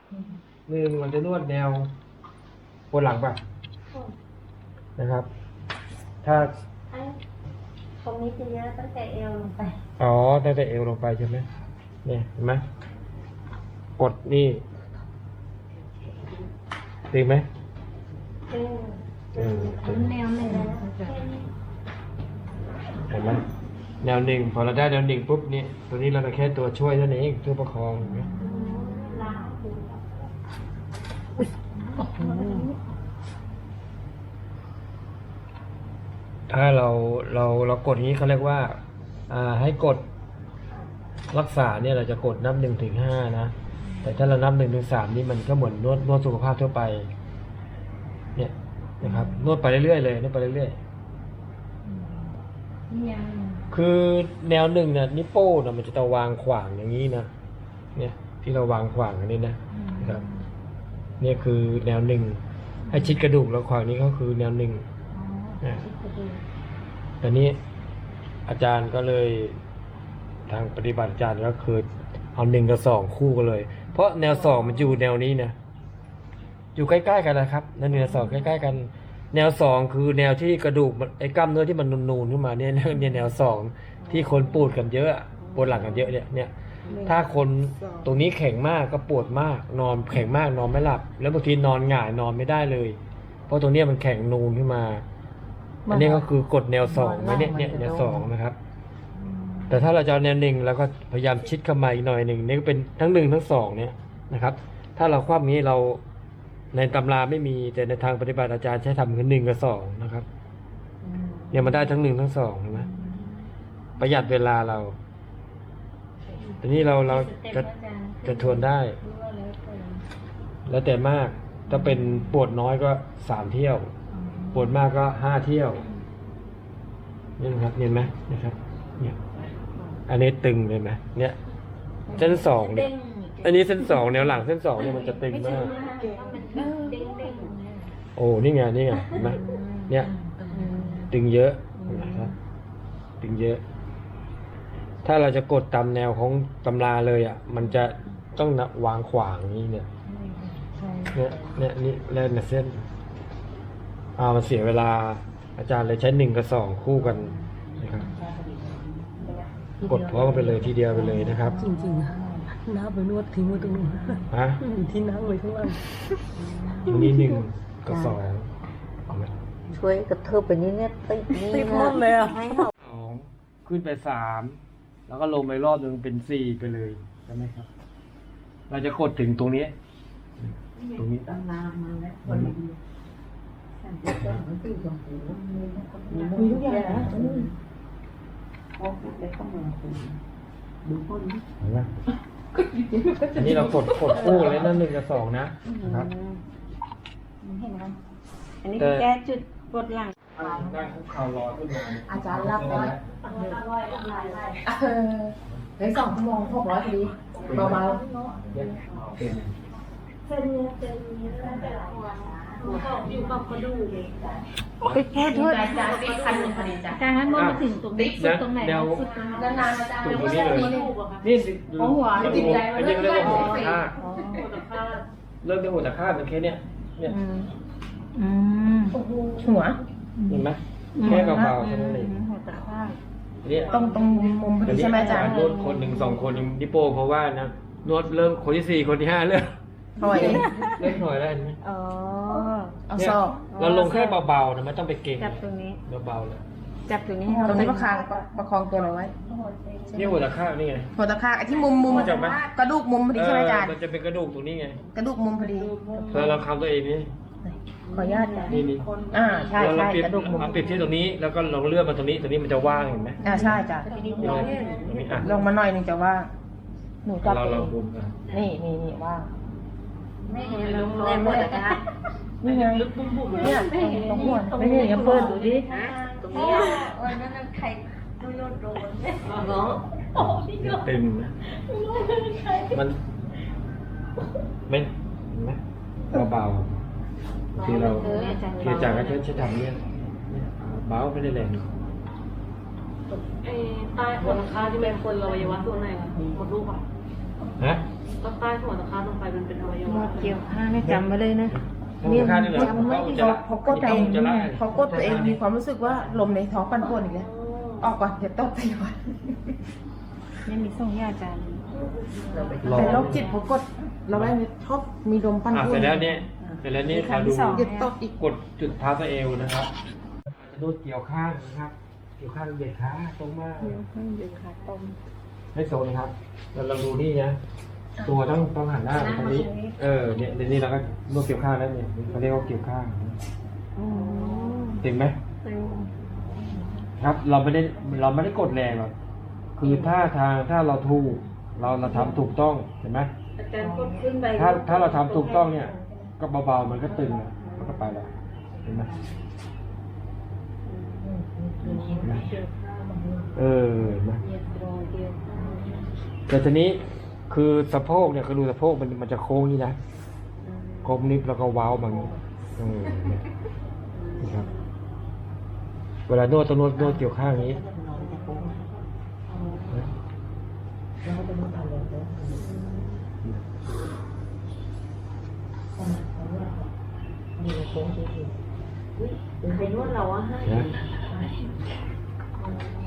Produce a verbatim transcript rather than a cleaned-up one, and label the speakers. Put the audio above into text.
Speaker 1: หนึ่งมันจะนวดแนวบนหลังป่ะนะครับ ถ้า
Speaker 2: ตรงนี้จะเยอะตั้งแต่เอวลงไป
Speaker 1: อ๋อตั้งแต่เอวลงไปใช่ไหมเนี่ยเห็นไหมกดนี่ตึงไหม
Speaker 2: ตึง
Speaker 1: เออตึง
Speaker 2: แนวหนึ่งนะ
Speaker 1: เห็นไหมแนวหนึ่งพอเราได้แนวหนึ่งปุ๊บนี่ตัวนี้เราแค่ตัวช่วยเท่านั้นเองช่วยประคองเห็นไหมถ้าเราเราเรากดอย่างนี้เขาเรียกว่าอ่าให้กดรักษาเนี่ยเราจะกดนับหนึ่งถึงห้านะแต่ถ้าเรานับหนึ่งถึงสามนี่มันก็เหมือนนวดนวดสุขภาพทั่วไปเนี่ยนะครับนวดไปเรื่อยๆเลยนวดไปเรื่อยๆคือแนวหนึ่งเนี่ยนิ้วโป้งนะมันจะต้องวางขวางอย่างนี้นะเนี่ยที่เราวางขวางอันนี้นะนะครับเนี่ยคือแนวหนึ่งให้ชิดกระดูกแล้วขวางนี้ก็คือแนวหนึ่งนะแต่นี้อาจารย์ก็เลยทางปฏิบัติอาจารย์ก็คือเอาหนึ่งกับสองคู่กันเลย เพราะแนวสองมันอยู่แนวนี้นะอยู่ใกล้ๆกันนะครับแนวหนึ่งกับสองใกล้ๆกันแนวสองคือแนวที่กระดูกไอ้กล้ามเนื้อที่มันนูนๆขึ้นมาเนี่ยเนี่ยแนวสองที่คนปวดกันเยอะปวดหลังกันเยอะเนี่ยเนี่ยถ้าคนตรงนี้แข็งมากก็ปวดมากนอนแข็งมากนอนไม่หลับแล้วบางทีนอนหงายนอนไม่ได้เลย เพราะตรงนี้มันแข็งนูนขึ้นมาอันนี้ก็คือกดแนวสองไว้เนี่ยเนี่ยแนวสองนะครับแต่ถ้าเราจะเอาแนวหนึ่งเราก็พยายามชิดเข้ามาอีกหน่อยหนึ่งนี่ก็เป็นทั้งหนึ่งทั้งสองเนี่ยนะครับถ้าเราคว่ำนี้เราในตำราไม่มีแต่ในทางปฏิบัติอาจารย์ใช้ทำคือหนึ่งกับสองนะครับเนี่ยมันได้ทั้งหนึ่งทั้งสองเห็นไหมประหยัดเวลาเราทีนี้เราเราจะจะทวนได้ แล้วแต่มากถ้าเป็นปวดน้อยก็สามเที่ยวปวดมากก็ห้าเที่ยวนี่นะครับเห็นไหมนะครับเนี่ยอันนี้ตึงเลยไหมเนี่ยเส้นสองเนี่ยอันนี้เส้นสองแนวหลังเส้นสองเนี่ยมันจะตึงมากโอ้นี่ไงนี่ไงเห็นไหมเนี่ยตึงเยอะนะครับตึงเยอะ ถ้าเราจะกดตามแนวของตำราเลยอ่ะมันจะต้องวางขวางนี้เนี่ยเนี่ยเนี่ยนี่แล่นเส้นอ่ามันเสียเวลาอาจารย์เลยใช้หนึ่งกับสองคู่กันนะครับกดพร้อมไปเลยทีเดียวไปเลยนะครับ
Speaker 3: จริงๆนะน้าไปนวดทิ้งไว้ตรงนู้น
Speaker 1: ฮะ
Speaker 3: ที่นั่งไว้ข้างล่าง
Speaker 1: ตรงนี้หนึ่งกับสอง
Speaker 2: ช่วยกระเทิบไปนี้เนี่ยติดนี่
Speaker 3: ติดหมดเลยอ่ะ
Speaker 1: สองขึ้นไปสามแล้วก็ลงไปรอบหนึ่งเป็นสี่ไปเลยใช่ไหมครับเราจะกดถึงตรงนี้ตรงนี้ตั้งนานมาแล้ว
Speaker 3: มีทุกอย่างนะ
Speaker 1: อันนี้เรากดกดคู่เลยนั่นหนึ่งกับสองนะนะครับ
Speaker 2: เห็นไหมอันนี้แก้จุดปวดหลัง
Speaker 1: ได้คุกเข่ารอขึ้นมา
Speaker 3: อาจารย์รับไว้ในสองชั่วโมงหกร้อยพอดีเบาๆ
Speaker 2: เส้นนี้เส้นนี้เส้นแต่ละหัวอยู่กับกระดูกไปโทษโทษอาจารย์เป็นคันหนึ่งพอดีจ้ะการนั้นมองมาถึงตรงนี้สุดตรงไหนสุดตรงนั้นนานๆอาจารย์ตรงนี้เลย
Speaker 1: นี่สิหัวจิตใจมันเริ่มเริ่มหัวตะค่าเริ่มเป็นหัวตะค่าเป็นแค่เนี้ยเนี่ย
Speaker 3: หัว
Speaker 1: เห็นไหมแค่เบาๆแค่นั้นเอง
Speaker 3: ตรงตรงมุมพอดีใช่ไหมอาจารย์
Speaker 1: นวดคนหนึ่งสองคนยังดิโป้เพราะว่านะนวดเริ่มคนที่สี่คนที่ห้าเริ่ม
Speaker 3: หน่อย
Speaker 1: เริ่มหน่อยแล้วเห็นไหม
Speaker 3: อ๋อเอาซอก
Speaker 1: เราลงแค่เบาๆนะไม่ต้องไปเก่ง
Speaker 2: จับตรงนี้
Speaker 1: เบาๆเลย
Speaker 2: จับตรงนี้
Speaker 3: ตรงนี้ประคองประคองตัวเราไว้
Speaker 1: นี่หัวตะค่านี่ไง
Speaker 3: หัวตะค่าไอ้ที่มุมมุมกระดูกมุมพอดีใช่ไหมอาจารย์
Speaker 1: มันจะเป็นกระดูกตรงนี้ไง
Speaker 3: กระดูกมุมพอดี
Speaker 1: เพื่อเราคำตัวเองนี่
Speaker 3: ขออนุญาต
Speaker 1: นี่นี่
Speaker 3: อ่าใช่ใช่กระดูกมุม
Speaker 1: เอาปิดที่ตรงนี้แล้วก็ลองเลื่อนมาตรงนี้ตรงนี้มันจะว่างเห็นไหม
Speaker 3: อ่าใช่จ้ะลงมาหน่อยนึงจะว่างหนูจับนี่นี่นี่ว่าง
Speaker 2: ไม่เห็นลงเลยหมดเลยนะ
Speaker 3: นี่ไงเนี่ยตรงหัวไม่ได้ยังเปิดดูดิ
Speaker 2: ตรงนี้วันนั้นใครดูโดนโดนเนาะ
Speaker 1: ตึงนะมันไม่เห็นไหมเบาๆที่เราที่จากก็ใช้ทำเนี่ยเบาไม่ได้แรง
Speaker 4: ไอ้ใต้หัวราคาที่เป็นคนเราอวัยวะส่วนไหนคะหมดลูกอ่ะ
Speaker 1: ฮะ
Speaker 2: ก็ใต้หัวตะขาลงไปมันเป็นอวัยวะ
Speaker 3: นวดเกี่ยวข้างให้จำไว้เลยนะ
Speaker 1: เนี่ยจำ
Speaker 3: จำไว้ดิเขาเขากดตัวเองเขากดตัวเองมีความรู้สึกว่าลมในท้องปั่นป่วนอีกแล้วออกก่อนเดี๋ยวตบไปก่อน
Speaker 2: ยังมีส่งยาอาจารย์
Speaker 3: แต่โรคจิตเขากดเราได้ชอบมีลมปั่น
Speaker 1: อ่ะ
Speaker 3: ป่วน
Speaker 1: เสร็จแล้วเนี่ยเสร็จแล้วนี่เราดู
Speaker 3: เดี๋ยวตบอีก
Speaker 1: กดจุดเท้าตัวเอวนะครับจะนวดเกี่ยวข้างนะครับ เกี่ยวข้างเหยียดขาตรงมาก
Speaker 3: เดี๋ยวขาตรง
Speaker 1: ไม่โซนนะครับเราลองดูนี่นะตัวต้องต้องหันหน้าไปทางนี้ เออเนี่ยเดี๋ยวนี้เราก็นวดเกี่ยวข้างแล้วเนี่ยเขาเรียกว่าเกี่ยวข้างจริงไหมครับ เราไม่ได้เราไม่ได้กดแรงหรอกคือถ้าทางถ้าเราถูกเราเราทำถูกต้องเห็นไหม
Speaker 2: อาจารย์กดขึ้นไป
Speaker 1: ถ้าถ้าเราทำถูกต้องเนี่ย ก็เบาๆมันก็ตึงอะมันก็ไปแล้วเห็นไหมเออเห็นไหมแต่ทีนี้คือสะโพกเนี่ยคือรูสะโพกมันมันจะโค้งนี่นะโค้งนิดแล้วก็เว้ามันเออเนี่ยนะครับเวลานวดต้องนวดนวดเกี่ยวข้างนี้
Speaker 2: เป็นนวดเราอะให้
Speaker 1: นะ